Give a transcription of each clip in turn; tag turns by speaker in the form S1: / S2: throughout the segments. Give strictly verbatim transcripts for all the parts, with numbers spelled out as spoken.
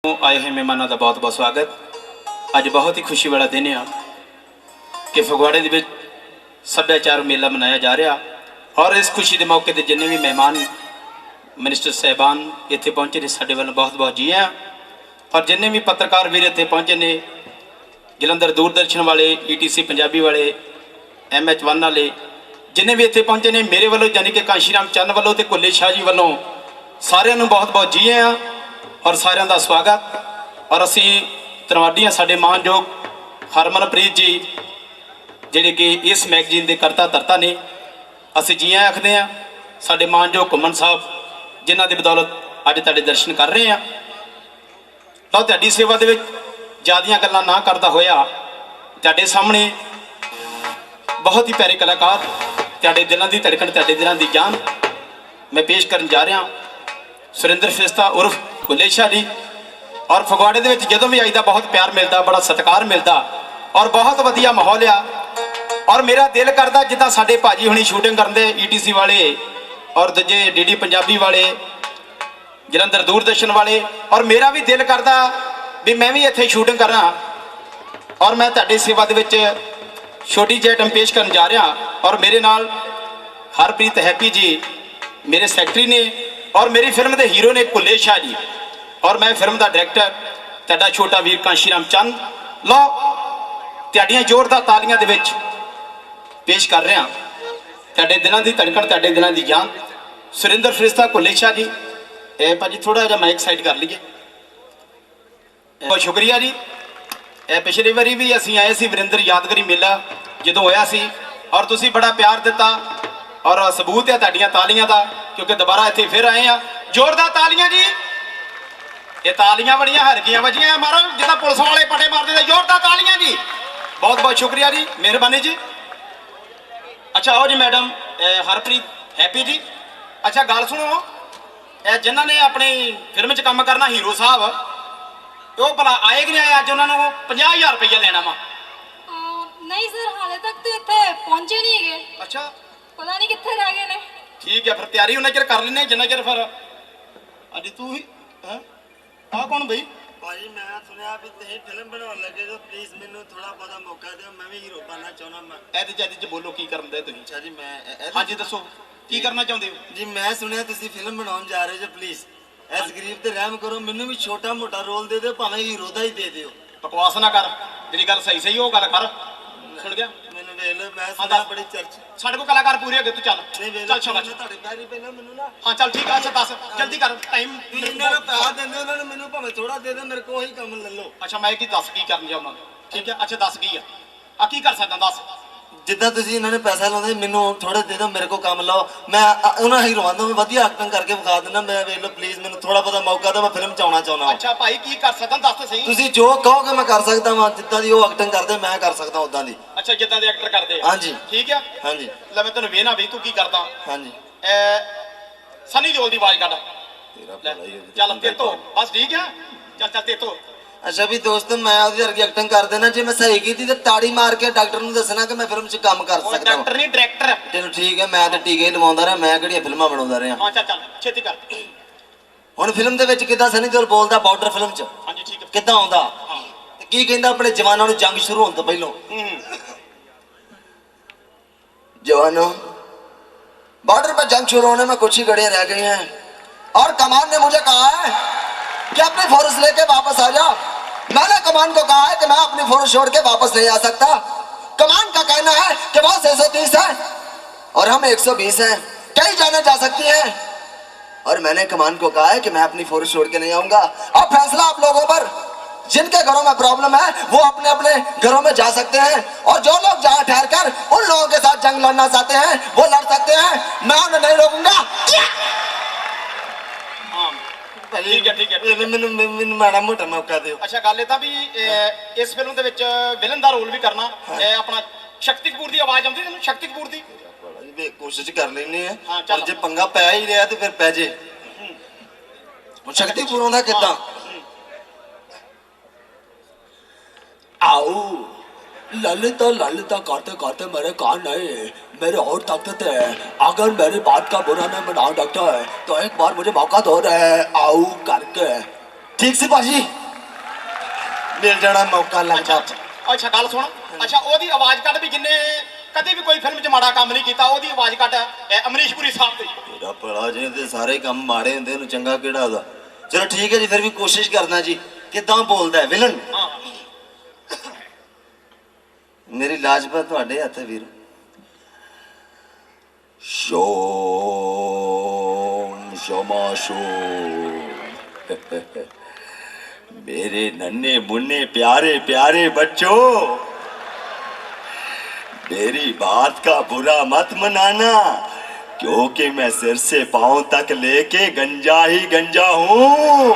S1: आए हुए मेहमानों का बहुत बहुत स्वागत। अज बहुत ही खुशी वाला दिन आ कि फगवाड़े के सभ्याचार मेला मनाया जा रहा और इस खुशी के मौके पर जिन्हें भी मेहमान मिनिस्टर साहबान इतने पहुँचे ने साढ़े वालों बहुत बहुत जी हैं और जिन्हें भी पत्रकार वीर इतने पहुँचे ने जलंधर दूरदर्शन वाले ई टी सी पंजाबी वाले एम एच वन वाले जिन्हें भी इतने पहुँचे ने मेरे वालों यानी कि कांशीराम चंद वालों तो कुल्ले शाह जी वालों सारिਆਂ बहुत बहुत जी हैं और सारिਆਂ का स्वागत। और असी धन्नवादी हाँ साडे मानयोग हरमनप्रीत जी जिहड़े कि इस मैगजीन के करता धरता ने असी जी आखते हैं साडे मानयोग घुमन साहब जिन्हां दी बदौलत अज तुहाडे दर्शन कर रहे हैं। तो तुहाडी सेवा दे विच ज़्यादियां गल्लां ना करदा होया तुहाडे सामने बहुत ही प्यारे कलाकार तुहाडे दिलों की धड़कन तुहाडे दिलों की जान मैं पेश करन जा रहा सुरिंदर फिस्ता उर्फ कुल्ले शाह जी। और फगवाड़े के जो भी आईदा बहुत प्यार मिलता बड़ा सत्कार मिलता और बहुत वधिया माहौल आ। और मेरा दिल करता जिदा साडे भाजी हुणी शूटिंग करते ई टी सी वाले और दूजे डी डी पंजाबी वाले जलंधर दूरदर्शन वाले और मेरा भी दिल करता भी मैं भी इत्थे शूटिंग करा। और मैं तुहाडी सेवा दे विच छोटी जी आइटम पेश करन जा रहा और मेरे नाल हरप्रीत हैप्पी जी मेरे सैकटरी ने और मेरी फिल्म के हीरो ने कुल्ले शाह जी और मैं फिल्म का डायरैक्टर तुहाडा छोटा वीर कांशीराम चंद लो तुहाडियां जोरदार तालियां दे विच पेश कर रहा तुहाडे दिलों की धड़कन तुहाडे दिलों की जान सुरिंदर फिस्ता कुल्ले शाह जी। ए भाजी थोड़ा जिहा माइक साइड कर लीजिए। बहुत शुक्रिया जी। ए पिछली बारी भी असीं आए सी वरिंदर यादगारी मेला जदों होया सी और तुसीं बड़ा प्यार दिता और सबूत है तुहाडियां तालियां का क्योंकि दोबारा इत्थे फिर आए हैं। जोरदार तालियां जी। ये तालियां बड़ियां हरकियां बजियां मारो जिदा पुलिस वाले पटे मारते थे। जोरदार तालियां जी। बहुत बहुत शुक्रिया जी मेहरबानी जी। अच्छा आओ जी मैडम हरप्रीत हैप्पी जी। अच्छा गल सुनो जिन्हों ने अपनी फिल्म च काम करना हीरो साहब वो भला आए कि नहीं आए? अज उन्होंने पचास हजार रुपया लेना वा।
S2: नहीं सर हाले तक तो इतने पहुंचे नहीं है।
S1: अच्छा
S2: पता नहीं कितने रह गए ने। ठीक
S1: है फिर तैयारी उन्हें चिर कर लेने जिन्ना चिर फिर अज तू ही आ कौन बई?
S3: भाई मैं सुनिया भी तुसीं फिल्म बनाने लगे तो प्लीज मैनू थोड़ा बहुत मौका दिओ मैं भी हीरो बनना चाहना। मैं
S1: ਇਹਦੇ ਚ ਇਹਦੇ ਚ ਬੋਲੋ ਕੀ ਕਰਨ ਦੇ ਤੁਸੀਂ?
S3: अच्छा जी मैं
S1: ਹਾਂਜੀ ਦੱਸੋ ਕੀ ਕਰਨਾ ਚਾਹੁੰਦੇ ਹੋ?
S3: जी मैं सुनिया तुसीं फिल्म बनाने जा रहे हो प्लीज इस गरीब ते रहम करो मैनू भी छोटा मोटा रोल दे दिओ भावें हीरो दा ही दे दिओ।
S1: बकवास ना कर ਜਿਹੜੀ ਗੱਲ ਸਹੀ ਸਹੀ ਉਹ ਗੱਲ ਕਰ। ਸੁਣ ਗਿਆ
S3: मैनू वेख लो मैं सुना बड़ी चर्च
S1: ਸਾਡੇ ਕੋਲ ਕਲਾਕਾਰ ਪੂਰੇ ਹੋ ਗਏ ਤੂੰ ਚੱਲ
S3: नहीं वेख
S1: ਚੱਲ
S3: लो
S1: ਸ਼ਾਬਾਸ਼।
S3: ਤੁਹਾਡੇ ਪੈਰੀ ਪਹਿਲਾਂ ਮੈਨੂੰ ਨਾ
S1: ਹਾਂ ਚੱਲ ਠੀਕ ਆ। ਅੱਛਾ ਦੱਸ ਜਲਦੀ ਕਰ ਟਾਈਮ
S3: ਇਹਨਾਂ ਨੂੰ ਪੈਸਾ ਦਿੰਦੇ ਉਹਨਾਂ ਨੂੰ ਮੈਨੂੰ ਭਾਵੇਂ ਥੋੜਾ ਦੇ ਦੇ ਮੇਰੇ ਕੋਲ ਹੀ ਕੰਮ ਲੈ ਲਓ।
S1: ਅੱਛਾ ਮੈਂ ਕੀ ਦੱਸ ਕੀ ਕਰਨ ਜਾਉਣਾ ਠੀਕ ਹੈ। ਅੱਛਾ ਦੱਸ ਕੀ ਆ ਆ ਕੀ ਕਰ ਸਕਦਾ ਦੱਸ।
S3: ਜਿੱਦਾਂ ਤੁਸੀਂ ਇਹਨਾਂ ਨੇ ਪੈਸਾ ਲਾਉਂਦੇ ਮੈਨੂੰ ਥੋੜਾ ਦੇ ਦਿਓ ਮੇਰੇ ਕੋਲ ਕੰਮ ਲਾਓ ਮੈਂ ਉਹਨਾਂ ਹੀਰੋਆਂ ਨੂੰ ਵਧੀਆ ਐਕਟਿੰਗ ਕਰਕੇ ਵਿਖਾ ਦਿੰਦਾ। ਮੈਂ ਵੇਖ ਲਓ ਪਲੀਜ਼ ਮੈਨੂੰ ਥੋੜਾ ਬਹੁਤਾ ਮੌਕਾ ਦਿਓ ਮੈਂ ਫਿਲਮ ਚ ਆਉਣਾ ਚਾਹੁੰਦਾ।
S1: ਅੱਛਾ ਭਾਈ ਕੀ ਕਰ ਸਕਦਾ ਦੱਸ ਤਾਂ ਸਹੀ।
S3: ਤੁਸੀਂ ਜੋ ਕਹੋਗੇ ਮੈਂ ਕਰ ਸਕਦਾ ਵਾਂ ਜਿੱਦਾਂ ਦੀ ਉਹ ਐਕਟਿੰਗ ਕਰਦੇ ਮੈਂ ਕਰ ਸਕਦਾ ਉਦਾਂ ਦੀ।
S1: ਅੱਛਾ ਜਿੱਦਾਂ ਦੇ ਐਕਟਰ ਕਰਦੇ
S3: ਹਾਂਜੀ
S1: ਠੀਕ ਆ।
S3: ਹਾਂਜੀ
S1: ਲੈ ਮੈਂ ਤੈਨੂੰ ਵੇਖਣਾ ਵੀ ਤੂੰ ਕੀ ਕਰਦਾ।
S3: ਹਾਂਜੀ
S1: ਸਨੀ ਦਿਓਲ ਦੀ ਆਵਾਜ਼ ਕੱਢ
S3: ਤੇਰਾ ਭਲਾ ਹੀ ਹੋਵੇ।
S1: ਚੱਲ ਤੇ ਤੋਂ ਬਸ ਠੀਕ ਆ। ਚੱਲ ਚੱਲ ਤੇ ਤੋਂ
S3: ਅੱਛਾ ਵੀ ਦੋਸਤ ਮੈਂ ਉਹਦੀ ਵਰਗੀ ਐਕਟਿੰਗ ਕਰ ਦੇਣਾ ਜੇ ਮੈਂ ਸਹੀ ਕੀਤੀ ਤੇ ਤਾੜੀ ਮਾਰ ਕੇ ਡਾਕਟਰ ਨੂੰ ਦੱਸਣਾ ਕਿ ਮੈਂ ਫਿਲਮ 'ਚ ਕੰਮ ਕਰ
S1: ਉਹ
S3: ਸਕਦਾ
S1: ਡਾਕਟਰ ਨਹੀਂ ਡਾਇਰੈਕਟਰ।
S3: ਚਲੋ ਠੀਕ ਹੈ ਮੈਂ ਤਾਂ ਟੀਕੇ ਹੀ ਲਵਾਉਂਦਾ ਰਿਹਾ ਮੈਂ ਕਿਹੜੀਆਂ ਫਿਲਮਾਂ ਬਣਾਉਂਦਾ ਰਿਹਾ।
S1: ਹਾਂ ਚੱਲ ਚੱਲ ਛੇਤੀ ਕਰ।
S3: ਹੁਣ ਫਿਲਮ ਦੇ ਵਿੱਚ ਕਿੱਦਾਂ ਸਨੀ ਦਿਓਲ ਬੋਲਦਾ ਬਾਰਡਰ ਫਿਲਮ 'ਚ
S1: ਹਾਂਜੀ ਠੀਕ ਹੈ
S3: ਕਿੱਦਾਂ ਆਉਂਦਾ
S1: ਹਾਂ
S3: ਤੇ ਕੀ ਕਹਿੰਦਾ ਆਪਣੇ ਜਵਾਨਾਂ ਨੂੰ ਜੰਗ ਸ਼ੁਰੂ ਹੋਣ ਤੋਂ ਪਹਿਲਾਂ
S1: ਹੂੰ
S3: जवानों बॉर्डर पर जंग शुरू होने में कुछ ही घड़ियां रह गई हैं और कमान ने मुझे कहा है कि अपनी फोर्स लेके वापस आ जा। मैंने कमान को कहा है कि मैं अपनी फोर्स छोड़ के वापस नहीं आ सकता। कमान का कहना है कि वो छह सौ तीस है और हम एक सौ बीस हैं कई जाने जा सकती हैं और मैंने कमान को कहा है कि मैं अपनी फोर्स छोड़ के नहीं आऊंगा। अब फैसला आप लोगों पर जिनके घरों में प्रॉब्लम है वो अपने अपने घरों में जा सकते हैं और जो लोग जहां ठहर कर उन लोगों के साथ जंग लड़ना चाहते हैं वो लड़ सकते हैं। मैं उन्हें नहीं रोकूंगा।
S1: ਠੀਕ ਹੈ ਠੀਕ ਹੈ
S3: ਮੈਨੂੰ ਮੈਨੂੰ ਮਾੜਾ ਮੋਟਾ ਮੌਕਾ ਦਿਓ।
S1: ਅੱਛਾ ਗੱਲ ਇਹ ਤਾਂ ਵੀ ਇਸ ਫਿਲਮ ਦੇ ਵਿੱਚ ਵਿਲਨ ਦਾ ਰੋਲ ਵੀ ਕਰਨਾ ਆਪਣਾ ਸ਼ਕਤੀ ਕਪੂਰ ਦੀ ਆਵਾਜ਼ ਆਉਂਦੀ ਤੈਨੂੰ? ਸ਼ਕਤੀ ਕਪੂਰ ਦੀ
S3: ਵੇ ਕੋਸ਼ਿਸ਼ ਕਰ ਲੈਣੀ ਹੈ
S1: ਹਾਂ
S3: ਪਰ
S1: ਚੱਲ
S3: ਜੇ ਪੰਗਾ ਪੈ ਹੀ ਰਿਹਾ ਤੇ ਫਿਰ ਪੈ ਜੇ। ਹੁਣ ਸ਼ਕਤੀ ਕਪੂਰ ਆਉਂਦਾ ਕਿੱਦਾਂ? आओ ललिता ललिता करते करते मेरे कान नहीं मेरे होठ तकते थे। अगर मेरी बात का बुरा नहीं बनाओ डॉक्टर तो एक बार मुझे मौका दो रहे आओ करके ठीक सी भाजी मिल जाना मौका लगता
S1: ਅੱਛਾ ਅੱਛਾ ਗੱਲ ਸੁਣ ਅੱਛਾ ਉਹਦੀ ਆਵਾਜ਼ ਕੱਢ ਵੀ ਜਿੰਨੇ ਕਦੇ ਵੀ ਕੋਈ ਫਿਲਮ 'ਚ ਮਾੜਾ ਕੰਮ ਨਹੀਂ ਕੀਤਾ ਉਹਦੀ ਆਵਾਜ਼ ਕੱਢ ਇਹ ਅਮਰੀਸ਼ ਪੁਰੀ ਸਾਹਿਬ ਦੀ
S3: तेरा भला जी ते सारे काम माड़े होंदे नु चंगा केड़ा ओदा चलो ठीक है जी फिर भी कोशिश करना जी किदां बोलदा है विलन
S1: ਹਾਂ
S3: मेरी लाजपत तुहाडे हत्थ है वीर शोम शमाशो मेरे नन्हे मुन्ने प्यारे प्यारे बच्चों मेरी बात का बुरा मत मनाना क्योंकि मैं सिर से पांव तक लेके गंजा ही गंजा हूँ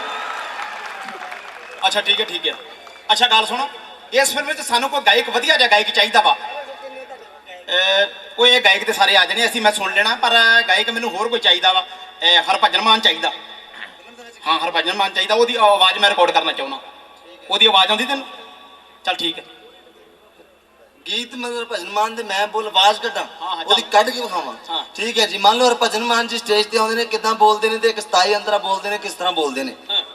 S1: ਅੱਛਾ ਠੀਕ ਹੈ ਠੀਕ ਹੈ ਅੱਛਾ ਗੱਲ ਸੁਣੋ ਇਸ ਫਿਲਮ ਵਿੱਚ ਸਾਨੂੰ ਕੋਈ ਗਾਇਕ ਵਧੀਆ ਜਿਹਾ ਗਾਇਕ ਚਾਹੀਦਾ ਵਾ ਅਹ ਕੋਈ ਇਹ ਗਾਇਕ ਤੇ ਸਾਰੇ ਆ ਜਾਣੇ ਅਸੀਂ ਮੈਂ ਸੁਣ ਲੈਣਾ ਪਰ ਗਾਇਕ ਮੈਨੂੰ ਹੋਰ ਕੋਈ ਚਾਹੀਦਾ ਵਾ ਇਹ ਹਰਭਜਨ ਮਾਨ ਚਾਹੀਦਾ ਹਾਂ ਹਰਭਜਨ ਮਾਨ ਚਾਹੀਦਾ ਉਹਦੀ ਆਵਾਜ਼ ਮੈਂ ਰਿਕਾਰਡ ਕਰਨਾ ਚਾਹੁੰਦਾ ਉਹਦੀ ਆਵਾਜ਼ ਆਉਂਦੀ ਤੈਨੂੰ ਚੱਲ ਠੀਕ ਹੈ
S3: गीत मतलब भजन मान दे मैं बोल आवाज कड्डा
S1: हाँ, हाँ,
S3: ओदी
S1: चल।
S3: कड के विखावां
S1: हाँ।
S3: ठीक है जी मान लो हरभजन मान जी स्टेज ते आउंदे ने किदां बोलदे ने ते एक सताई अंतरा बोलदे ने किस तरह बोलदे ने
S1: ਹਾਂ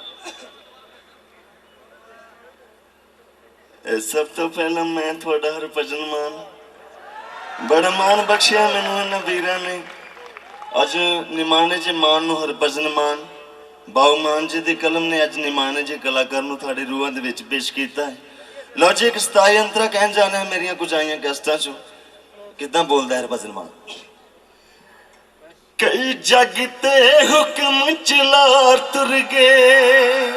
S3: ਇਹ ਸਭ ਤੋਂ ਪਹਿਲਾਂ ਮੈਂ ਤੁਹਾਡਾ ਹਰਭਜਨ ਮਾਨ ਬੜਾ ਮਾਨ ਬਖਸ਼ਿਆ ਮੈਨੂੰ ਇਹਨਾਂ ਵੀਰਾਂ ਨੇ ਅੱਜ ਨਿਮਾਣੇ ਚ ਮਾਨ ਨੂੰ ਹਰਭਜਨ ਮਾਨ ਬਾਉ ਮਾਨ ਜੀ ਦੀ ਕਲਮ ਨੇ ਅੱਜ ਨਿਮਾਣੇ ਜੇ ਕਲਾਕਾਰ ਨੂੰ ਤੁਹਾਡੇ ਰੂਹਾਂ ਦੇ ਵਿੱਚ ਪੇਸ਼ ਕੀਤਾ ਹੈ ਲਓ ਜੀ ਇੱਕ ਸਤਾਈ ਅੰਤਰਾ ਕਹਿਣ ਜਾਣਾ ਹੈ ਮੇਰੀਆਂ ਕੁਝ ਆਈਆਂ ਗੈਸਟਾਂ ਚੋਂ ਕਿੱਦਾਂ ਬੋਲਦਾ ਹੈ ਹਰਭਜਨ ਮਾਨ ਕਈ ਜੱਗ ਤੇ ਹੁਕਮ ਚਲਾਰ ਤੁਰ ਗਏ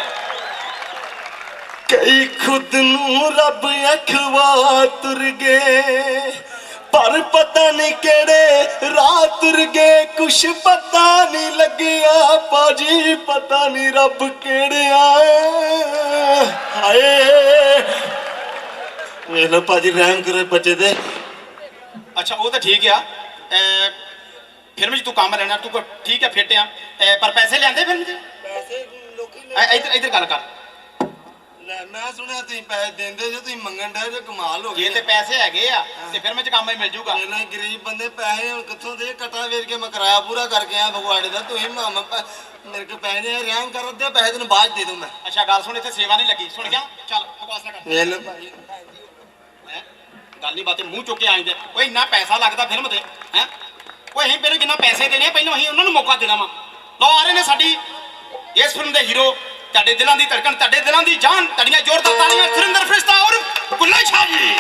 S3: कई खुद नू रब अखवा तुर गए पर पता नहीं केड़े राह तुर गए कुछ पता नहीं लगिया पाजी पता नहीं रब केड़े आए हाय ਵੇਖ ਲੋ ਪਾਜੀ ਰਹਿਮ ਕਰੇ ਬੱਚੇ ਦੇ
S1: ਅੱਛਾ ਉਹ ਤਾਂ ਠੀਕ ਆ ਅਹ ਫਿਲਮ 'ਚ ਤੂੰ ਕੰਮ ਲੈਣਾ ਤੂੰ ਕੋ- ਠੀਕ ਹੈ ਫਿੱਟ ਆ ਅਹ ਪਰ ਪੈਸੇ ਲਿਆਂਦੇ ਫਿਲਮ 'ਚ
S3: ਪੈਸੇ ਲੋਕੀ
S1: ਅਹ ਇੱਧਰ ਇੱਧਰ ਗੱਲ ਕਰ
S3: ਲੈ ਮੈਂ ਸੁਣਿਆ ਤੁਸੀਂ ਪੈਸੇ ਦਿੰਦੇ ਜੋ ਤੁਸੀਂ ਮੰਗਣ ਡਏ ਜੋ ਕਮਾਲ ਹੋ
S1: ਜੇ
S3: ਗਈ
S1: ਤੇ ਪੈਸੇ ਹੈਗੇ ਆ ਤੇ ਫਿਲਮ 'ਚ ਕੰਮ ਹੀ ਮਿਲ ਜੂਗਾ
S3: ਇਹਨਾਂ ਗਰੀਬ ਬੰਦੇ ਪੈਸੇ ਹੁਣ ਕਿੱਥੋਂ ਦੇ ਕਟਾ ਵੇਚ ਕੇ ਮੈਂ ਕਿਰਾਇਆ ਪੂਰਾ ਕਰਕੇ ਆਇਆ ਫਗਵਾੜੇ ਦਾ ਤੁਸੀਂ ਮਾਮਾ ਪੈ- ਮੇਰੇ ਕੋਲ ਪੈਸੇ ਨਹੀਂ ਰਹਿਮ ਕਰ ਦੇ ਪੈਸੇ ਤੈਨੂੰ ਬਾਅਦ 'ਚ ਦੇ ਦੂੰ ਮੈਂ
S1: ਅੱਛਾ ਗੱਲ ਸੁਣ ਇੱਥੇ ਸੇਵਾ ਨਹੀਂ ਲੱਗੀ ਸੁਣ ਗਿਆ ਚੱਲ ਬਕਵਾਸ ਨਾ ਕਰ
S3: ਵੇਖ ਲਓ ਭਾਈ
S1: ਹੈਂ? ਗੱਲ ਨਹੀਂ ਬਾਤੇ ਮੂੰਹ ਚੁੱਕ ਕੇ ਆਂਦੇ ਓਏ ਇੰਨਾ ਪੈਸਾ ਲੱਗਦਾ ਫਿਲਮ ਤੇ ਹੈ ਓਏ ਅਸੀਂ ਪਹਿਲੇ ਕਿੰਨਾ ਪੈਸੇ ਦੇਣੇ ਆ ਪਹਿਲਾਂ ਅਸੀਂ ਉਹਨਾਂ ਨੂੰ ਮੌਕਾ ਦੇਣਾ ਵਾ ਲਓ ਆ ਰਹੇ ਨੇ ਸਾਡੀ ਇਸ ਫਿਲਮ ਦੇ ਹੀਰੋ ਤੁਹਾਡੇ ਦਿਲਾਂ ਦੀ ਧੜਕਣ ਤੁਹਾਡੇ ਦਿਲਾਂ ਦੀ ਜਾਨ ਤੁਹਾਡੀਆਂ ਜ਼ੋਰਦਾਰ ਤਾਲੀਆਂ ਸੁਰਿੰਦਰ ਫਰਿਸ਼ਤਾ ਔਰ ਕੁੱਲਾ ਸ਼ਾਹ ਜੀ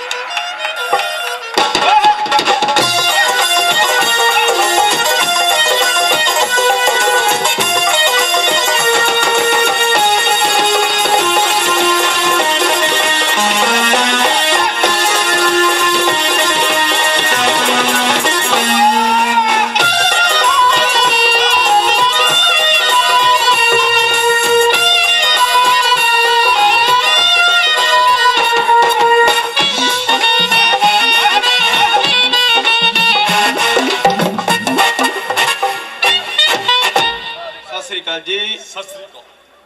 S1: ਸਤਿ ਸ੍ਰੀ ਅਕਾਲ ਜੀ ਸਤਿ ਸ੍ਰੀ ਅਕਾਲ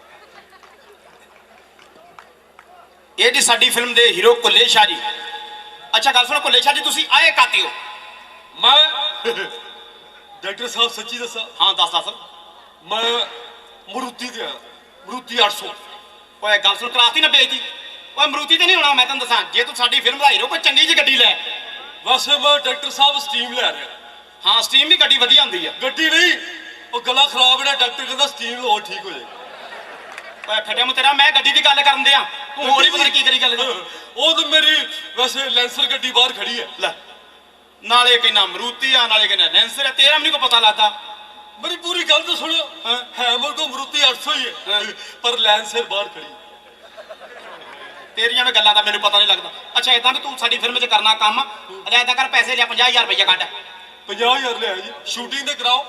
S1: ਇਹ ਜੀ ਸਾਡੀ ਫਿਲਮ ਦੇ ਹੀਰੋ ਕੁੱਲੇ ਸ਼ਾਹ ਜੀ ਅੱਛਾ ਗੱਲ ਸੁਣੋ ਕੁੱਲੇ ਸ਼ਾਹ ਜੀ ਤੁਸੀਂ ਆਏ ਕਾਤੇ ਹੋ
S4: ਮੈਂ ਡਾਕਟਰ ਸਾਹਿਬ ਸੱਚੀ ਦੱਸਾਂ
S1: ਹਾਂ ਦੱਸ ਦੱਸ
S4: ਮੈਂ ਮਰੂਤੀ ਤੇ ਆ ਮਰੂਤੀ ਅੱਠ ਸੌ
S1: ਓਏ ਗੱਲ ਸੁਣ ਕਲਾਤੀ ਨਾ ਬੇਇੱਜ਼ਤੀ ਓਏ ਮਰੂਤੀ ਤੇ ਨਹੀਂ ਹੋਣਾ ਮੈਂ ਤੈਨੂੰ ਦੱਸਾਂ ਜੇ ਤੂੰ ਸਾਡੀ ਫਿਲਮ ਦਾ ਹੀਰੋ ਕੋਈ ਚੰਗੀ ਜਿਹੀ ਗੱਡੀ ਲੈ
S4: ਵੈਸੇ ਮੈਂ ਡਾਕਟਰ ਸਾਹਿਬ ਸਟੀਮ ਲੈ ਰਿਹਾ
S1: ਹਾਂ ਸਟੀਮ ਵੀ ਗੱਡੀ ਵਧੀਆ ਹੁੰਦੀ ਆ
S4: ਗੱਡੀ ਨਹੀਂ ਉਹ ਗਲਾ ਖਰਾਬ ਹੈ ਡਾਕਟਰ ਕਹਿੰਦਾ ਸਟੀਮ ਲਓ ਠੀਕ ਹੋ ਜਾਏਗਾ
S1: ਓਏ ਫਟਿਆ ਮੂੰ ਤੇਰਾ ਮੈਂ ਗੱਡੀ ਦੀ ਗੱਲ ਕਰਨ ਦਿਆਂ ਤੂੰ ਹੋਰ ਹੀ ਪਤਾ ਨੀ ਕੀ ਕਰੀ ਗੱਲ ਕਰ
S4: ਉਹ ਤਾਂ ਮੇਰੀ ਵੈਸੇ ਲੈਂਸਰ ਗੱਡੀ ਬਾਹਰ ਖੜੀ ਹੈ
S1: ਲੈ ਨਾਲੇ ਕਹਿੰਦਾ ਮਰੂਤੀ ਆ ਨਾਲੇ ਕਹਿੰਦਾ ਲੈਂਸਰ ਆ ਤੇਰਾ ਮੈਨੂੰ ਕੋ ਪਤਾ ਲੱਗਦਾ
S4: ਮੇਰੀ ਪੂਰੀ ਗੱਲ ਤਾਂ ਸੁਣੋ
S1: ਹਾਂ।
S4: ਹੈ ਮੇਰੇ ਕੋਲ ਮਰੂਤੀ ਅੱਠ ਸੌ ਹੀ ਹੈ
S1: ਹਾਂ।
S4: ਪਰ ਲੈਂਸਰ ਬਾਹਰ ਖੜੀ
S1: ਤੇਰੀਆਂ ਵੀ ਗੱਲਾਂ ਦਾ ਮੈਨੂੰ ਪਤਾ ਨਹੀਂ ਲੱਗਦਾ ਅੱਛਾ ਇਦਾਂ ਵੀ ਤੂੰ ਸਾਡੀ ਫਿਲਮ 'ਚ ਕਰਨਾ ਕੰਮ ਅਜਾ ਇਦਾਂ ਕਰ ਪੈਸੇ ਲਿਆ ਪੰਜਾਹ ਹਜ਼ਾਰ ਰੁਪਈਆ ਕੱਢ
S4: ਪੰਜਾਹ ਹਜ਼ਾਰ ਲਿਆ ਜੀ ਸ਼ੂਟਿੰਗ ਤੇ ਕਰਾਓ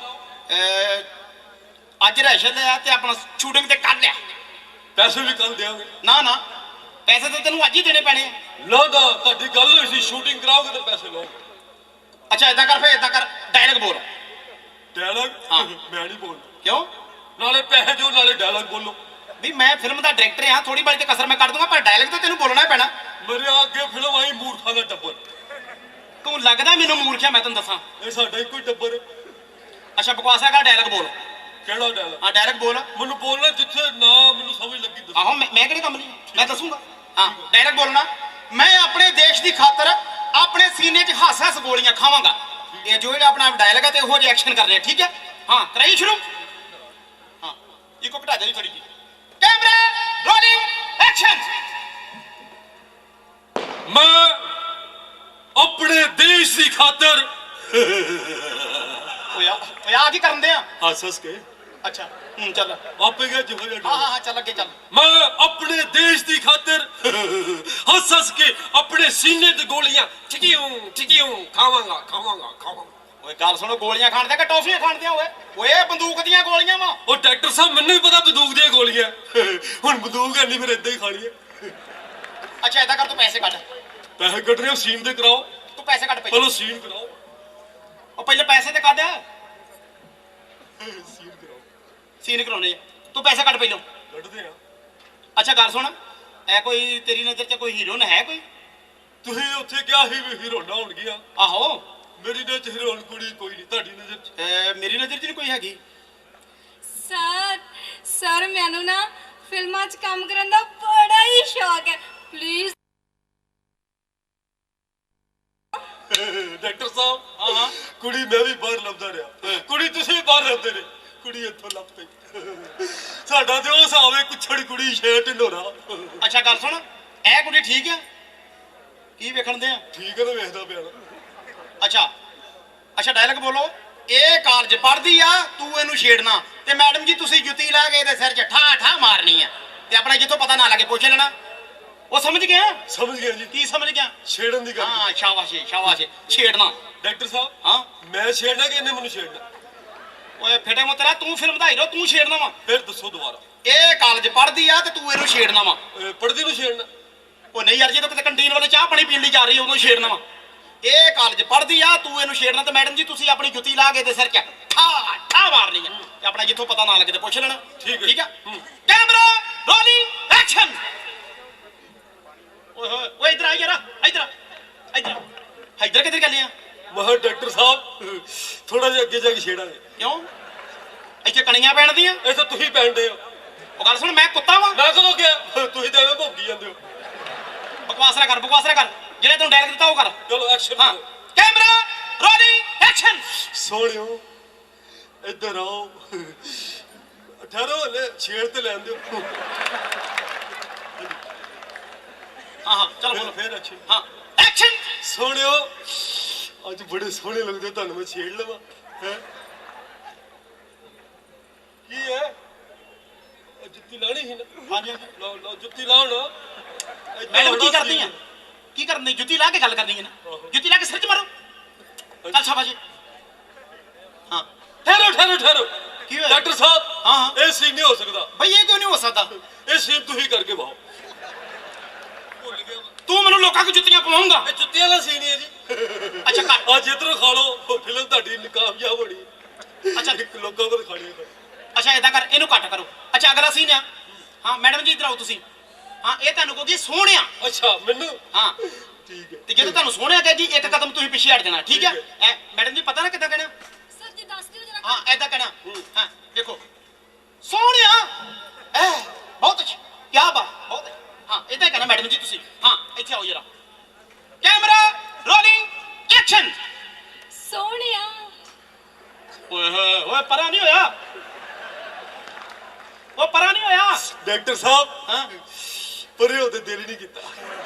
S1: ਅਹ ਅੱਜ ਰੈਸ਼ਨ ਲਿਆ ਤੇ ਆਪਣਾ ਸ਼ੂਟਿੰਗ ਤੇ ਕੱਢ ਲਿਆ
S4: ਪੈਸੇ ਵੀ ਕੱਲ ਦੇਵਾਂਗੇ
S1: ਨਾ ਨਾ ਪੈਸੇ ਤਾਂ ਤੈਨੂੰ ਅੱਜ ਹੀ ਦੇਣੇ ਪੈਣੇ ਆ
S4: ਨਾ ਨਾ ਤੁਹਾਡੀ ਗੱਲ ਹੋਈ ਸੀ ਸ਼ੂਟਿੰਗ ਕਰਾਓਗੇ ਤਾਂ ਪੈਸੇ ਲਓ
S1: ਅੱਛਾ ਇਦਾਂ ਕਰ ਫੇ ਇਦਾਂ ਕਰ ਡਾਇਲੌਗ ਬੋਲ
S4: ਡਾਇਲੌਗ
S1: ਹਾਂ।
S4: ਮੈਂ ਨਹੀਂ ਬੋਲ
S1: ਕਿਉਂ
S4: ਨਾਲੇ ਪੈਸੇ ਦਿਓ ਨਾਲੇ ਡਾਇਲੌਗ ਬੋਲੋ
S1: ਵੀ ਮੈਂ ਫਿਲਮ ਦਾ ਡਾਇਰੈਕਟਰ ਹਾਂ ਥੋੜੀ ਬੜੀ ਤੇ ਕਸਰ ਮੈਂ ਕੱਢ ਦੂੰਗਾ ਪਰ ਡਾਇਲੌਗ ਤਾਂ ਤੈਨੂੰ ਬੋਲਣਾ ਹੀ ਪੈਣਾ
S4: ਮੇਰੇ ਅੱਗੇ ਫਿਲਮ ਆਈ ਮੂਰਖਾਂ ਦਾ ਟੱਬਰ
S1: ਤੂੰ ਲੱਗਦਾ ਮੈਨੂੰ ਮੂਰਖਿਆ ਮੈਂ ਤੈਨੂੰ ਦੱਸਾਂ
S4: ਇਹ ਸਾਡਾ ਇੱਕੋ ਹੀ ਟੱਬਰ ਹੈ
S1: ਅੱਛਾ ਬਕਵਾਸ ਹੈਗਾ ਡਾਇਲੌਗ ਬੋਲ
S4: ਕਿਹੜਾ ਡਾਇਲੌਗ?
S1: ਹਾਂ ਡਾਇਰੈਕਟ ਬੋਲ।
S4: ਮੈਨੂੰ ਬੋਲਣਾ ਜਿੱਥੇ ਨਾ ਮੈਨੂੰ ਸਮਝ ਲੱਗੀ ਦੱਸੋ।
S1: ਆਹੋ ਮੈਂ ਮੈਂ ਕਿਹੜੇ ਕੰਮ ਲਈ ਮੈਂ ਦੱਸੂਗਾ। ਹਾਂ ਡਾਇਰੈਕਟ ਬੋਲਣਾ। ਮੈਂ ਆਪਣੇ ਦੇਸ਼ ਦੀ ਖਾਤਰ ਆਪਣੇ ਸੀਨੇ 'ਚ ਹੱਸ ਹੱਸ ਗੋਲੀਆਂ ਖਾਵਾਂਗਾ। ਇਹ ਜੋ ਜਿਹੜਾ ਆਪਣਾ ਡਾਇਲੌਗ ਹੈ ਤੇ ਉਹੋ ਜਿਹੇ ਐਕਸ਼ਨ ਕਰਨੇ ਠੀਕ ਹੈ। ਹਾਂ ਕਰਾਈ ਸ਼ੁਰੂ। ਹਾਂ ਇੱਕੋ ਘਟਾ ਦੇ ਥੋੜੀ ਜੀ। Camera rolling action.
S4: ਮੈਂ ਆਪਣੇ ਦੇਸ਼ ਦੀ ਖਾਤਰ
S1: ਓਏ ਆ ਓਏ ਆ ਕੀ ਕਰਨ ਦੇ ਆ?
S4: ਹੱਸ ਹੱਸ ਕੇ
S1: ਅੱਛਾ ਹੂੰ ਚੱਲ।
S4: ਆਪੇ ਗਿਆ ਜਿਹੋ ਜਿਹਾ
S1: ਹਾਂ ਹਾਂ ਹਾਂ ਚੱਲ ਅੱਗੇ ਚੱਲ।
S4: ਮੈਂ ਆਪਣੇ ਦੇਸ਼ ਦੀ ਖਾਤਰ ਹੱਸ ਹੱਸ ਕੇ ਆਪਣੇ ਸੀਨੇ ਤੇ ਗੋਲੀਆਂ ਠਿਕਿਉਂ ਠਿਕਿਉਂ ਖਾਵਾਂਗਾ ਖਾਵਾਂਗਾ ਖਾਵਾਂਗਾ।
S1: ਓਏ ਗੱਲ ਸੁਣੋ ਗੋਲੀਆਂ ਖਾਣ ਦੇ ਕਿ ਟੌਫੀਆਂ ਖਾਣ ਦੇ ਓਏ? ਓਏ ਬੰਦੂਕ ਦੀਆਂ ਗੋਲੀਆਂ ਵਾ।
S4: ਉਹ ਡਾਕਟਰ ਸਾਹਿਬ ਮੈਨੂੰ ਵੀ ਪਤਾ ਬੰਦੂਕ ਦੀਆਂ ਗੋਲੀਆਂ ਹੁਣ ਬੰਦੂਕ ਹੈ ਨਹੀਂ ਫਿਰ ਏਦਾਂ ਹੀ ਖਾਣੀ ਹੈ।
S1: ਅੱਛਾ ਏਦਾਂ ਕਰ ਤੂੰ ਪੈਸੇ ਕੱਢ।
S4: ਪੈਸੇ ਕੱਢ ਰਹੇ ਹੋ ਸੀਨ ਤੇ ਕਰਾਓ।
S1: ਤੂੰ ਪੈਸੇ ਕੱਢ ਪਹਿਲਾਂ।
S4: ਚਲੋ ਸੀਨ ਕਰਾਓ।
S1: ਉਹ ਪਹਿਲੇ ਪੈਸੇ ਤੇ ਕੱਢ।
S4: ਸੀਨ ਕਰਾਓ।
S1: ਸੀਨ ਕਰਾਉਣੇ ਆ। ਤੂੰ ਪੈਸੇ ਕੱਢ ਪਹਿਲਾਂ।
S4: ਕੱਢਦੇ ਆ।
S1: ਅੱਛਾ ਗੱਲ ਸੁਣ ਐ ਕੋਈ ਤੇਰੀ ਨਜ਼ਰ 'ਚ ਕੋਈ ਹੀਰੋਇਨ ਹੈ ਕੋਈ?
S4: ਤੁਸੀਂ ਉੱਥੇ ਕਿਹਾ ਸੀ ਵੀ ਹੀਰੋਇਨਾਂ ਹੋਣਗੀਆਂ।
S1: ਆਹੋ
S4: ਮੇਰੀ ਨਜ਼ਰ 'ਚ ਹੀਰੋਇਨ ਕੁੜੀ ਕੋਈ ਨਹੀਂ। ਤੁਹਾਡੀ ਨਜ਼ਰ 'ਚ?
S1: ਅਹ ਮੇਰੀ ਨਜ਼ਰ 'ਚ ਨਹੀਂ ਕੋਈ ਹੈਗੀ।
S2: ਸਰ ਸਰ ਮੈਨੂੰ ਨਾ ਫਿਲਮਾਂ 'ਚ ਕੰਮ ਕਰਨ ਦਾ ਬੜਾ ਹੀ ਸ਼ੌਕ ਹੈ ਪਲੀਜ਼।
S4: ਡਾਕਟਰ ਸਾਹਿਬ
S1: ਹਾਂ ਹਾਂ
S4: ਕੁੜੀ ਮੈਂ ਵੀ ਬਾਹਰ ਲੱਭਦਾ ਰਿਹਾ। ਕੁੜੀ ਤੁਸੀਂ ਵੀ ਬਾਹਰ ਲੱਭਦੇ ਨੇ। ਕੁੜੀ ਇੱਥੋਂ ਲੱਭ ਪਈ। ਸਾਡਾ ਤੇ ਉਹ ਹਿਸਾਬ ਹੈ ਕੁਛੜ ਕੁੜੀ ਛੇ ਢਿੰਡੋਰਾ।
S1: ਅੱਛਾ ਗੱਲ ਸੁਣ ਇਹ ਕੁੜੀ ਠੀਕ ਆ? ਕੀ ਵੇਖਣ ਦੇ ਆ?
S4: ਠੀਕ ਹੈ ਤਾਂ ਵੇਖਦਾ ਪਿਆ ਨਾ।
S1: ਅੱਛਾ ਅੱਛਾ ਡਾਇਲੌਗ ਬੋਲੋ। ਇਹ ਕਾਲਜ ਪੜ੍ਹਦੀ ਆ ਤੂੰ ਇਹਨੂੰ ਛੇੜਨਾ ਤੇ ਮੈਡਮ ਜੀ ਤੁਸੀਂ ਜੁੱਤੀ ਲਾ ਕੇ ਇਹਦੇ ਸਿਰ 'ਚ ਠਾ ਠਾ ਮਾਰਨੀ ਆ ਤੇ ਆਪਣਾ ਜਿੱਥੋਂ ਪਤਾ ਨਾ ਲੱਗੇ ਪੁੱਛ ਲੈਣਾ। ਉਹ ਸਮਝ ਗਿਆ?
S4: ਸਮਝ ਗਿਆ ਜੀ।
S1: ਕੀ ਸਮਝ ਗਿਆ?
S4: ਛੇੜਨ ਦੀ ਗੱਲ।
S1: ਹਾਂ ਸ਼ਾਬਾਸ਼ ਏ, ਸ਼ਾਬਾਸ਼ ਏ। ਛੇੜਨਾ।
S4: ਡਾਕਟਰ ਸਾਹਿਬ
S1: ਹਾਂ
S4: ਮੈਂ ਛੇੜਨਾ ਕਿ ਇਹਨੇ ਮੈਨੂੰ ਛੇੜਨਾ?
S1: ਓਏ ਫਿਟੇ ਮੋ ਤੇਰਾ ਤੂੰ ਫਿਲਮ ਦਾ ਹੀਰੋ ਤੂੰ ਛੇੜਨਾ ਵਾ।
S4: ਫਿਰ ਦੱਸੋ ਦੁਬਾਰਾ।
S1: ਇਹ ਕਾਲਜ ਪੜ੍ਹਦੀ ਆ ਤੇ ਤੂੰ ਇਹਨੂੰ ਛੇੜਨਾ ਵਾ।
S4: ਅਹ ਪੜ੍ਹਦੀ ਨੂੰ ਛੇੜਨਾ?
S1: ਉਹ ਨਹੀਂ ਯਾਰ ਜਦੋਂ ਕਿਤੇ ਕੰਟੀਨ ਵਾਲੇ ਚਾਹ ਪਾਣੀ ਪੀਣ ਲਈ ਜਾ ਰਹੀ ਉਦੋਂ ਛੇੜਨਾ ਵਾ। ਇਹ ਕਾਲਜ ਪੜ੍ਹਦੀ ਆ ਤੂੰ ਇਹਨੂੰ ਛੇੜਨਾ ਤੇ ਮੈਡਮ ਜੀ ਤੁਸੀਂ ਆਪਣੀ ਜੁੱਤੀ ਲਾ ਕੇ ਤੇ ਸਿਰ 'ਚ ਠਾ ਠਾ ਮਾਰਨੀ ਆ ਤੇ ਆਪਣਾ ਜਿੱਥੋਂ ਪਤਾ ਨਾ ਲੱਗੇ ਤੇ ਪੁੱਛ ਲੈਣਾ।
S4: ਠੀਕ ਹੈ।
S1: ਠੀਕ ਆ ਕੈਮਰਾ ਰੋਲਿੰਗ ਐਕਸ਼ਨ। ਓਏ ਹੋਏ ਓਏ ਇਧਰ ਆ ਯਾਰ ਇਧਰ ਇਧਰ ਇਧਰ ਕਿੱਧਰ ਚੱਲੇ ਆ?
S4: ਮਹਾ ਡਾਕਟਰ ਸਾਹਿਬ ਥੋੜਾ ਜਿਹਾ ਅੱਗੇ ਜਾ ਕੇ ਛੇੜਾਂਗੇ।
S1: ਕਿਉਂ ਇੱਥੇ ਕਣੀਆਂ ਪੈਣ ਦੀਆਂ?
S4: ਇਹ ਤਾਂ ਤੁਸੀਂ ਪੈਂਦੇ ਹੋ।
S1: ਉਹ ਗੱਲ ਸੁਣ ਮੈਂ ਕੁੱਤਾ ਵਾਂ?
S4: ਮੈਂ ਕਦੋਂ ਗਿਆ? ਤੁਸੀਂ ਤਾਂ ਐਵੇਂ ਭੌਂਕੀ ਜਾਂਦੇ ਹੋ।
S1: ਬਕਵਾਸ ਨਾ ਕਰ ਬਕਵਾਸ ਨਾ ਕਰ ਜਿਹੜੇ ਤੈਨੂੰ ਡਾਇਲੌਗ ਦਿੱਤਾ ਉਹ ਕਰ।
S4: ਚਲੋ ਐਕਸ਼ਨ
S1: ਹਾਂ
S4: ਕਰੋ।
S1: Camera rolling action.
S4: ਸੋਹਣਿਓ ਇੱਧਰ ਆਓ। ਠਹਿਰੋ ਹਲੇ ਛੇੜ ਤੇ ਲੈਣ ਦਿਓ।
S1: ਹਾਂ ਹਾਂ ਚਲ ਬੋਲੋ।
S4: ਫਿਰ ਅੱਛੇ
S1: ਹਾਂ ਐਕਸ਼ਨ।
S4: ਸੋਹਣਿਓ ਅੱਜ ਬੜੇ ਸੋਹਣੇ ਲੱਗਦੇ ਹੋ, ਤੁਹਾਨੂੰ ਮੈਂ ਛੇੜ ਲਵਾਂ ਹੈ? ਕੀ ਹੈ? ਉਹ ਜੁੱਤੀ ਲਾਣੀ ਸੀ ਨਾ?
S1: ਹਾਂਜੀ
S4: ਲਾਓ ਲਾਓ ਜੁੱਤੀ ਲਾਓ ਨਾ।
S1: ਮੈਡਮ ਕੀ ਕਰਦੀ ਆ? ਕੀ ਕਰਨੀ? ਜੁੱਤੀ ਲਾ ਕੇ ਗੱਲ ਕਰਨੀ ਹੈ ਨਾ? ਜੁੱਤੀ ਲਾ ਕੇ ਸਿਰ 'ਚ ਮਾਰੋ। ਚੱਲ ਸ਼ਾਬਾਸ਼ ਜੀ। ਹਾਂ
S4: ਠਹਿਰੋ ਠਹਿਰੋ ਠਹਿਰੋ।
S1: ਕੀ ਹੋਇਆ?
S4: ਡਾਕਟਰ ਸਾਹਿਬ
S1: ਹਾਂ ਹਾਂ
S4: ਇਹ ਸੀਨ ਨਹੀਂ ਹੋ ਸਕਦਾ।
S1: ਬਈ ਇਹ ਕਿਉਂ ਨਹੀਂ ਹੋ ਸਕਦਾ?
S4: ਇਹ ਸੀਨ ਤੁਸੀਂ ਕਰਕੇ ਵਾਓ। ਭੁੱਲ ਗਿਆ ਮੈਂ।
S1: ਤੂੰ ਮੈਨੂੰ ਲੋਕਾਂ ਕੋ ਜੁੱਤੀਆਂ ਪਵਾਉਂਗਾ?
S4: ਇਹ ਜੁੱਤੀਆਂ ਵਾਲਾ ਸੀਨ ਹੀ ਹੈ ਜੀ।
S1: ਅੱਛਾ ਕਰ।
S4: ਅੱਜ ਇੱਧਰੋਂ ਖਾ ਲਓ ਫਿਲਮ ਤੁਹਾਡੀ ਕਾਮਯਾਬ ਹੋਣੀ।
S1: ਅੱਛਾ
S4: ਇੱਕ ਲੋਕਾਂ ਕੋਲ ਖਾਣੀ ਹੈ।
S1: ਅੱਛਾ ਏਦਾਂ ਕਰ ਇਹਨੂੰ ਕੱਟ ਕਰੋ। ਅੱਛਾ ਅਗਲਾ ਸੀਨ ਆ। ਹਾਂ ਮੈਡਮ ਜੀ ਇੱਧਰ ਆਓ ਤੁਸੀਂ। ਹਾਂ ਇਹ ਤੁਹਾਨੂੰ ਕਹੋਗੀ ਸੋਹਣਿਆ।
S4: ਅੱਛਾ ਮੈਨੂੰ
S1: ਹਾਂ
S4: ਠੀਕ ਹੈ।
S1: ਤੇ ਜਦੋਂ ਤੁਹਾਨੂੰ ਸੋਹਣਿਆ ਕਹੇਗੀ ਇੱਕ ਕਦਮ ਤੁਸੀਂ ਪਿੱਛੇ ਹਟ ਜਾਣਾ ਠੀਕ ਹੈ? ਐ ਮੈਡਮ ਜੀ ਪਤਾ ਨਾ ਕਿੱਦਾਂ ਕਹਿਣਾ?
S2: ਸਰ ਜੀ ਦੱਸ ਦਿਓ ਜਰਾ।
S1: ਹਾਂ ਏਦਾਂ ਕਹਿਣਾ। ਹਾਂ ਦੇਖੋ ਸੋਹਣਿਆ ਐ ਬਹੁਤ ਅੱਛਾ ਕੀ ਬਾਤ ਬਹੁਤ ਹੈ। ਹਾਂ ਏਦਾਂ ਹੀ ਕਹਿਣਾ ਮੈਡਮ ਜੀ ਤੁਸੀਂ। ਹਾਂ ਇੱਥੇ ਆਓ ਜਰਾ ਕੈਮਰਾ ਰੋਲਿੰਗ ਐਕਸ਼ਨ।
S2: ਸੋਹਣਿਆ।
S1: ਓਏ ਹੋਏ ਓਏ ਪਰਾਂ ਨਹੀਂ ਹੋਇਆ। ਉਹ ਪਰਾਂ ਨਹੀਂ ਹੋਇਆ।
S4: ਡਾਕਟਰ ਸਾਹਿਬ
S1: ਹਾਂ
S4: ਪਰੇ ਉਹਦੇ ਦਿਲ ਹੀ ਨਹੀਂ ਕੀਤਾ।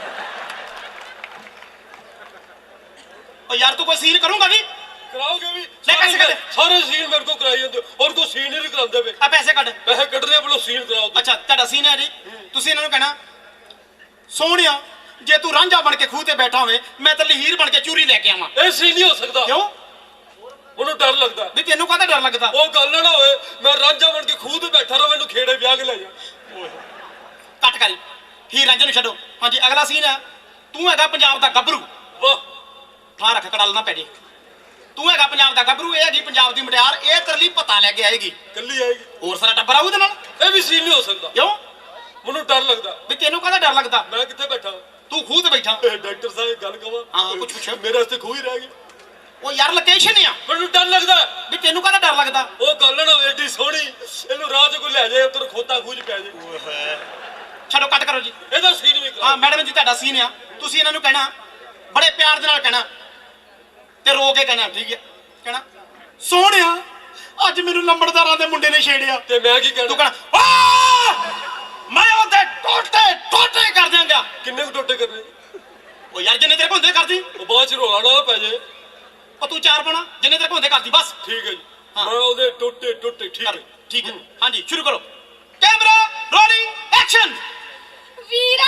S1: ਉਹ ਯਾਰ ਤੂੰ ਕੋਈ ਸੀਨ ਕਰੂੰਗਾ ਵੀ?
S4: ਕਰਾਓਗੇ ਵੀ?
S1: ਲੈ ਪੈਸੇ ਕੱਢ।
S4: ਸਾਰੇ ਸੀਨ ਮੇਰੇ ਕੋਲ ਕਰਾਈ ਜਾਂਦੇ ਹੋ ਔਰ ਕੋਈ ਸੀਨ ਹੀ ਨਹੀਂ ਕਰਾਉਂਦੇ ਵੇ।
S1: ਆ ਪੈਸੇ ਕੱਢ।
S4: ਪੈਸੇ ਕੱਢਣੇ ਬਲੋ ਸੀਨ ਕਰਾਓ ਤੁਸੀਂ।
S1: ਅੱਛਾ ਤੁਹਾਡਾ ਸੀਨ ਹੈ ਜੀ। ਤੁਸੀਂ ਇਹਨਾਂ ਨੂੰ ਕਹਿਣਾ ਸੋਹਣਿਆ ਜੇ ਤੂੰ ਰਾਂਝਾ ਬਣ ਕੇ ਖੂਹ ਤੇ ਬੈਠਾ ਹੋਵੇ ਮੈਂ ਤੇ ਲਹੀਰ ਬਣ ਕੇ ਚੂਰੀ ਲੈ ਕੇ ਆਵਾਂ।
S4: ਇਹ ਸੀਨ ਨਹੀਂ ਹੋ ਸਕਦਾ।
S1: ਕਿਉਂ?
S4: ਉਹਨੂੰ ਡਰ ਲੱਗਦਾ।
S1: ਵੀ ਤੈਨੂੰ ਕਾਹਦਾ ਡਰ ਲੱਗਦਾ?
S4: ਉਹ ਗੱਲ ਨਾ ਹੋਏ ਮੈਂ ਰਾਂਝਾ ਬਣ ਕੇ ਖੂਹ ਤੇ ਬੈਠਾ ਰਹਾਂ ਮੈਨੂੰ ਖੇੜੇ ਵਿਆਹ ਕੇ ਲੈ ਜਾ।
S1: ਕੱਟ ਕਰੀ ਹੀਰ ਰਾਂਝੇ ਨੂੰ ਛੱਡੋ। ਹਾਂਜੀ ਅਗਲਾ ਸੀਨ ਹੈ। ਤੂੰ ਹੈਗਾ ਪੰਜਾਬ ਦਾ ਗੱਭਰੂ।
S4: ਵਾਹ
S1: ਥਾਂ ਰੱਖ ਕੜਲ ਨਾ ਪੈ ਜੇ। ਤੂੰ ਹੈਗਾ ਪੰਜਾਬ ਦਾ ਗੱਭਰੂ ਇਹ ਹੈਗੀ ਪੰਜਾਬ ਦੀ ਮੁਟਿਆਰ ਇਹ ਤੇਰੇ ਲਈ ਪਤਾ ਲੈ ਕੇ ਆਏਗੀ।
S4: ਕੱਲੀ ਆਏਗੀ।
S1: ਹੋਰ ਸਾਰਾ ਟੱਬਰ ਆਊ ਇਹਦੇ ਨਾਲ।
S4: ਇਹ ਵੀ ਸੀਨ ਨਹੀਂ ਹੋ ਸਕਦਾ।
S1: ਕਿਉਂ?
S4: ਮੈਨੂੰ ਡਰ ਲੱਗਦਾ।
S1: ਵੀ ਤੈਨੂੰ ਕਾਹਦਾ ਡਰ ਲੱਗਦਾ?
S4: ਮੈਂ ਕਿੱਥੇ ਬੈਠਾ?
S1: ਤੂੰ ਖੂਹ ਤੇ ਬੈਠਾ।
S4: ਡਾਕਟਰ ਸਾਹਿਬ ਗੱਲ ਕਵਾਂ?
S1: ਹਾਂ ਕੁਛ ਪੁੱਛੋ।
S4: ਮੇਰੇ ਵਾਸਤੇ ਖੂਹ ਹੀ ਰਹਿ ਗਿਆ।
S1: ਉਹ ਯਾਰ ਲੋਕੇਸ਼ਨ ਆ
S4: ਮੈਨੂੰ ਡਰ ਲੱਗਦਾ
S1: ਵੀ ਤੈਨੂੰ ਕਾਹਦਾ ਡਰ ਲੱਗਦਾ
S4: ਉਹ ਗੱਲ ਨਾ ਏਡੀ ਸੋਹਣੀ ਇਹਨੂੰ ਰਾਹ 'ਚ ਕੋਈ ਲੈ ਜਾਏ ਉੱਧਰ ਖੋਤਾ ਖੂਜ ਪੈ ਜਾਏ ਓਏ ਹੋਏ
S1: ਛੱਡੋ ਕੱਟ ਕਰੋ ਜੀ
S4: ਇਹਦਾ ਸੀਨ ਵੀ
S1: ਹਾਂ ਮੈਡਮ ਜੀ ਤੁਹਾਡਾ ਸੀਨ ਆ ਤੁਸੀਂ ਇਹਨਾਂ ਨੂੰ ਕਹਿਣਾ ਬੜੇ ਪਿਆਰ ਦੇ ਨਾਲ ਕਹਿਣਾ ਤੇ ਰੋ ਕੇ ਕਹਿਣਾ ਠੀਕ ਹੈ ਕਹਿਣਾ ਸੋਹਣਿਆ ਅੱਜ ਮੈਨੂੰ ਲੰਬੜਦਾਰਾਂ ਦੇ ਮੁੰਡੇ ਨੇ ਛੇੜਿਆ
S4: ਤੇ ਮੈਂ ਕੀ
S1: ਤੂੰ
S4: ਕਹਿਣਾ
S1: ਕਹਿਣਾ ਆ ਮੈਂ ਉਹਦੇ ਟੋਟੇ ਟੋਟੇ ਕਰ ਦਿਆਂਗਾ
S4: ਕਿੰਨੇ ਕੁ ਟੋਟੇ ਕਰਨੇ
S1: ਉਹ ਯਾਰ ਜਿੰਨੇ ਤੇਰੇ ਹੁੰਦੇ ਕਰਦੀ
S4: ਉਹ ਬਾਅਦ 'ਚ ਰੋਲਾ ਨਾ ਪੈ ਜਾਏ
S1: ਉਹ ਤੂੰ ਚਾਰ ਪਾਣਾ ਜਿੰਨੇ ਤੇਰੇ ਹੁੰਦੇ ਕਰਦੀ ਬਸ
S4: ਠੀਕ ਹੈ ਜੀ
S1: ਹਾਂ।
S4: ਮੈਂ ਉਹਦੇ ਟੋਟੇ ਟੋਟੇ ਠੀਕ
S1: ਕਰ
S4: ਹੈ
S1: ਠੀਕ ਹੈ ਹਾਂਜੀ ਸ਼ੁਰੂ ਕਰੋ ਕੈਮਰਾ ਰੋਲਿੰਗ ਐਕਸ਼ਨ
S2: ਵੀਰਾ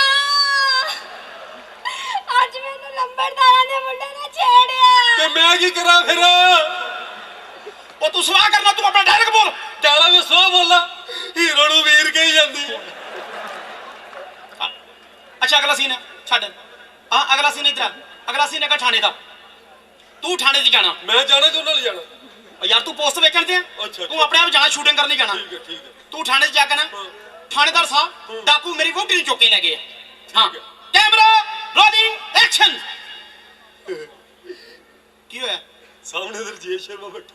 S2: ਅੱਜ ਮੈਨੂੰ ਲੰਬੜਦਾਰਾਂ ਦੇ ਮੁੰਡੇ ਨੇ ਛੇੜਿਆ
S4: ਤੇ ਮੈਂ ਕੀ ਕਰਾਂ ਫਿਰ
S1: ਉਹ ਤੂੰ ਸਵਾਹ ਕਰਨਾ ਤੂੰ ਆਪਣਾ ਡਾਇਰੈਕਟ ਬੋਲ
S4: ਚਾਲਾ ਮੈਂ ਸੋ ਬੋਲਾ ਹੀਰੋ ਨੂੰ ਵੀਰ ਕਹੀ ਜਾਂਦੀ
S1: ਅੱਛਾ ਅਗਲਾ ਸੀਨ ਹੈ ਛੱਡ ਹਾਂ ਅਗਲਾ ਸੀਨ ਇਧਰ ਅਗਲਾ ਸੀਨ ਹੈਗਾ ਥਾਣੇ ਦਾ ਤੂੰ ਥਾਣੇ 'ਚ ਜਾਣਾ
S4: ਮੈਂ ਜਾਣਾ ਕਿ ਉਹਨਾਂ ਨਾਲ ਜਾਣਾ
S1: ਉਹ ਯਾਰ ਤੂੰ ਪੋਸਟ ਵੇਖਣ ਤੇ ਆ
S4: ਅੱਛਾ,
S1: ਤੂੰ ਆਪਣੇ ਆਪ ਜਾਣਾ ਸ਼ੂਟਿੰਗ ਕਰਨੀ ਜਾਣਾ
S4: ਠੀਕ ਹੈ ਠੀਕ ਹੈ
S1: ਤੂੰ ਥਾਣੇ 'ਚ ਜਾ ਕੇ ਨਾ
S4: ਹਾਂ।
S1: ਥਾਣੇਦਾਰ ਸਾਹਿਬ
S4: ਹਾਂ।
S1: ਡਾਕੂ ਮੇਰੀ ਵੋਟੀ ਨੂੰ ਚੁੱਕ ਕੇ ਲੈ ਗਏ ਆ। ਹਾਂ
S4: ਠੀਕ ਹੈ।
S1: ਕੈਮਰਾ ਰੋਲਿੰਗ ਐਕਸ਼ਨ ਕੀ ਹੋਇਆ
S4: ਸਾਹਮਣੇ ਤੇ ਰਜੇਸ਼ ਸ਼ਰਮਾ ਬੈਠਾ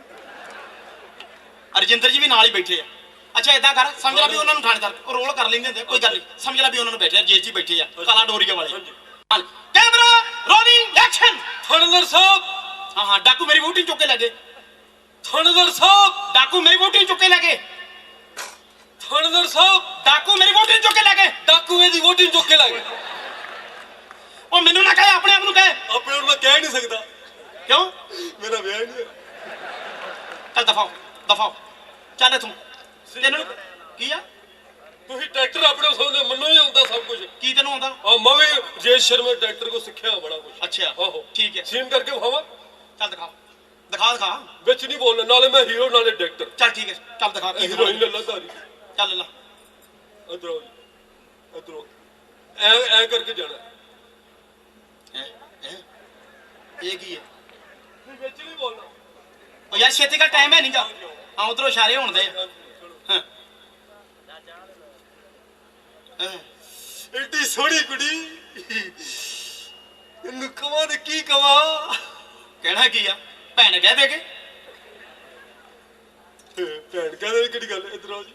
S1: ਅਰਜਿੰਦਰ ਜੀ ਵੀ ਨਾਲ ਹੀ ਬੈਠੇ ਆ ਅੱਛਾ ਏਦਾਂ ਕਰ ਸਮਝ ਲੈ ਵੀ ਉਹਨਾਂ ਨੂੰ ਥਾਣੇਦਾਰ ਉਹ ਰੋਲ ਕਰ ਲੈਂਦੇ ਹੁੰਦੇ ਕੋਈ ਗੱਲ ਨਹੀਂ ਸਮਝ ਲੈ ਵੀ ਉਹਨਾਂ ਨੂੰ ਬੈਠੇ ਆ ਜੇਲ੍ਹ 'ਚ ਹੀ ਬੈਠੇ ਆ ਕਾਲਾ ਡੋਰੀਆ ਵਾਲੇ
S4: ਹਾਂਜੀ।
S1: ਹਾਂ ਕੈਮਰਾ ਰੋਲਿੰਗ ਐਕਸ਼ਨ
S4: ਥਾਣੇਦਾਰ ਸਾਹਿਬ
S1: ਹਾਂ ਹਾਂ ਡਾਕੂ ਮੇਰੀ ਵੋਟੀ ਨੂੰ ਚੁੱਕ ਕੇ ਲੈ ਗਏ
S4: ਥਾਣੇਦਾਰ ਸਾਹਿਬ
S1: ਡਾਕੂ ਮੇਰੀ ਵੋਟੀ ਨੂੰ ਚੁੱਕ ਕੇ ਲੈ ਗਏ
S4: ਥਾਣੇਦਾਰ ਸਾਹਿਬ
S1: ਡਾਕੂ ਮੇਰੀ ਵੋਟੀ ਨੂੰ ਚੁੱਕ ਕੇ ਲੈ ਗਏ
S4: ਡਾਕੂਏ ਦੀ ਵੋਟੀ ਨੂੰ ਚੁੱਕ ਕੇ ਲੈ ਗਏ
S1: ਉਹ ਮੈਨੂੰ ਨਾ ਕਹੇ ਆਪਣੇ ਆਪ ਨੂੰ ਕਹੇ
S4: ਆਪਣੇ ਨੂੰ ਮੈਂ ਕਹਿ ਨਹੀਂ ਸਕਦਾ
S1: ਕਿਉਂ
S4: ਮੇਰਾ ਵਿਆਹ ਹੀ ਨਹੀਂ
S1: ਚੱਲ ਦਫਾਓ ਦਫਾਓ ਚੱਲ ਤੂੰ ਤੈਨੂੰ ਕੀ ਆ
S4: ਤੁਸੀਂ ਟਰੈਕਟਰ ਆਪਣੇ ਸੋਨੇ ਮੰਨੋ ਹੀ ਹੁੰਦਾ ਸਭ ਕੁਝ
S1: ਕੀ ਤੈਨੂੰ ਆਉਂਦਾ
S4: ਆ ਮੈਂ ਵੀ ਰਜੇਸ਼ ਸ਼ਰਮਾ ਟਰੈਕਟਰ ਕੋ ਸਿੱਖਿਆ ਬੜਾ ਕੁਝ
S1: ਅੱਛਾ
S4: ਆਹੋ
S1: ਠੀਕ ਹੈ
S4: ਸੀਨ ਕਰਕੇ ਵਿਖਾਵਾਂ
S1: ਚੱਲ ਦਿਖਾ ਦਿਖਾ ਦਿਖਾ
S4: ਵਿੱਚ ਨਹੀਂ ਬੋਲਣਾ ਨਾਲੇ ਮੈਂ ਹੀਰੋ ਨਾਲੇ ਡਾਇਰੈਕਟਰ
S1: ਚੱਲ ਠੀਕ ਹੈ ਚੱਲ ਦਿਖਾ ਕੀ
S4: ਹੀਰੋਇਨ ਲੱਲਾ ਧਾਰੀ
S1: ਚੱਲ ਲਾ
S4: ਇਧਰੋਂ ਇਧਰੋਂ ਐ ਐ ਕਰਕੇ ਜਾਣਾ
S1: ਹੈਂ? ਹੈਂ? ਇਹ ਕੀ ਹੈ
S4: ਵਿੱਚ ਨਹੀਂ ਬੋਲਣਾ
S1: ਉਹ ਯਾਰ ਛੇਤੀ ਦਾ ਟਾਈਮ ਹੈ ਨਹੀਂਗਾ ਹਾਂ ਉਧਰੋਂ ਇਸ਼ਾਰੇ ਹੋਣ ਦੇ ਹਾਂ ਹਾਂ
S4: ਏਡੀ ਸੋਹਣੀ ਕੁੜੀ ਇਹਨੂੰ ਕਵਾਂ ਤੇ ਕੀ ਕਵਾਂ
S1: ਕਹਿਣਾ ਕੀ ਆ ਭੈਣ ਕਹਿ ਦੇ ਕੇ
S4: ਭੈਣ ਕਹਿੰਦੇ ਕਿਹੜੀ ਗੱਲ ਇਧਰ ਆਓ ਜੀ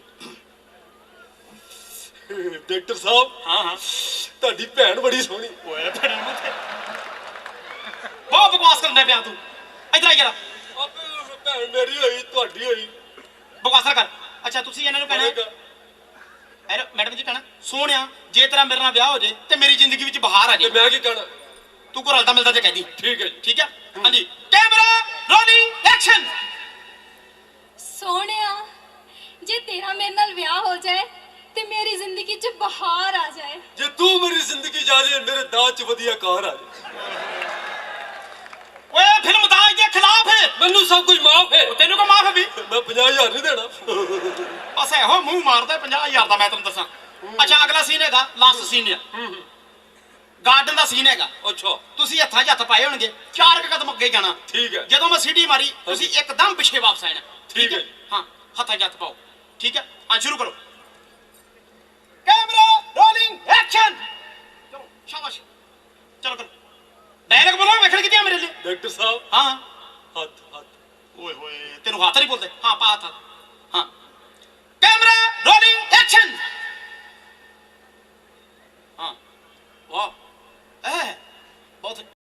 S4: ਡਾਕਟਰ ਸਾਹਿਬ
S1: ਹਾਂ ਹਾਂ
S4: ਤੁਹਾਡੀ ਭੈਣ ਬੜੀ ਸੋਹਣੀ
S1: ਓਏ ਬੜੀ ਮੁੱਥੇ ਬਹੁਤ ਬਕਵਾਸ ਕਰਦਾ ਪਿਆ ਤੂੰ ਇਧਰ ਆ ਯਾਰ
S4: ਆਪੇ ਭੈਣ ਮੇਰੀ ਹੋਈ ਤੁਹਾਡੀ ਹੋਈ
S1: ਬਕਵਾਸ ਨਾ ਕਰ ਅੱਛਾ ਤੁਸੀਂ ਇਹਨਾਂ ਨੂੰ ਕਹਿਣਾ ਐ ਮੈਡਮ ਜੀ ਕਹਿਣਾ ਸੋਹਣਿਆ ਜੇ ਤੇਰਾ ਮੇਰੇ ਨਾਲ ਵਿਆਹ ਹੋ ਜੇ ਤੇ ਮੇਰੀ ਜ਼ਿੰਦਗੀ ਵਿੱਚ ਬਹਾਰ ਆ
S4: ਤੇ
S1: ਜੇ
S4: ਮੈਂ ਕੀ ਕਹਿਣਾ
S1: ਤੂੰ ਕੋ ਰਲਦਾ ਮਿਲਦਾ ਤੇ ਕਹਿ ਦੀ
S4: ਠੀਕ ਹੈ ਜੀ
S1: ਠੀਕ ਹੈ ਹਾਂਜੀ ਕੈਮਰਾ ਰੋਲਿੰਗ ਐਕਸ਼ਨ
S2: ਸੋਹਣਿਆ ਜੇ ਤੇਰਾ ਮੇਰੇ ਨਾਲ ਵਿਆਹ ਹੋ ਜਾਏ ਤੇ ਮੇਰੀ ਜ਼ਿੰਦਗੀ 'ਚ ਬਹਾਰ ਆ ਜਾਏ
S4: ਜੇ ਤੂੰ ਮੇਰੀ ਜ਼ਿੰਦਗੀ ਜਾ ਜੇ ਮੇਰੇ ਦਾਜ ਚ ਵਧੀਆ ਕਾਰ ਆ ਜਾਏ
S1: ਓਏ ਫਿਲਮ ਦਾਜ ਦੇ ਖਿਲਾਫ ਹੈ
S4: ਮੈਨੂੰ ਸਭ ਕੁਝ ਮਾਫ ਹੈ
S1: ਤੈਨੂੰ ਕੋ ਮਾਫ ਹੈ ਵੀ
S4: ਮੈਂ ਪੰਜਾਹ ਹਜ਼ਾਰ ਨਹੀਂ ਦੇਣਾ
S1: ਬਸ ਇਹੋ ਮੂੰਹ ਮਾਰਦਾ ਪੰਜਾਹ ਹਜ਼ਾਰ ਦਾ ਮੈਂ ਤੈਨੂੰ ਦੱਸਾਂ ਅੱਛਾ ਅਗਲਾ ਸੀਨ ਹੈਗਾ ਲਾਸਟ ਸੀਨ ਹੈ ਗਾਰਡਨ ਦਾ ਸੀਨ ਹੈਗਾ
S4: ਅੱਛਾ
S1: ਤੁਸੀਂ ਹੱਥਾਂ 'ਚ ਹੱਥ ਪਾਏ ਹੋਣਗੇ ਚਾਰ ਕੁ ਕਦਮ ਅੱਗੇ ਜਾਣਾ
S4: ਠੀਕ ਹੈ
S1: ਜਦੋਂ ਮੈਂ ਸੀਟੀ ਮਾਰੀ ਤੁਸੀਂ ਇੱਕਦਮ ਪਿੱਛੇ ਵਾਪਸ ਆਣਾ
S4: ਠੀਕ ਹੈ।
S1: ਹਾਂ ਹੱਥਾਂ 'ਚ ਹੱਥ ਪਾਓ ਠੀਕ ਹੈ ਹਾਂ ਸ਼ੁਰੂ ਕਰੋ ਕੈਮਰਾ ਰੋਲਿੰਗ ਐਕਸ਼ਨ ਚਲੋ ਸ਼ਾਬਾਸ਼ ਚਲੋ ਕਰੋ ਡਾਇਲੌਗ ਬੋਲੋ ਵੇਖਣ ਕਿਤੇ ਮੇਰੇ ਲਈ
S4: ਡਾਕਟਰ ਸਾਹਿਬ
S1: ਹਾਂ
S4: ਹੱਥ ਹੱਥ
S1: ਓਏ ਹੋਏ ਤੈਨੂੰ ਹੱਥ ਨਹੀਂ ਬੋਲਦੇ ਹਾਂ ਪਾ ਹੱਥ ਹਾਂ ਕੈਮਰਾ ਰੋਲਿੰਗ ਐਕਸ਼ਨ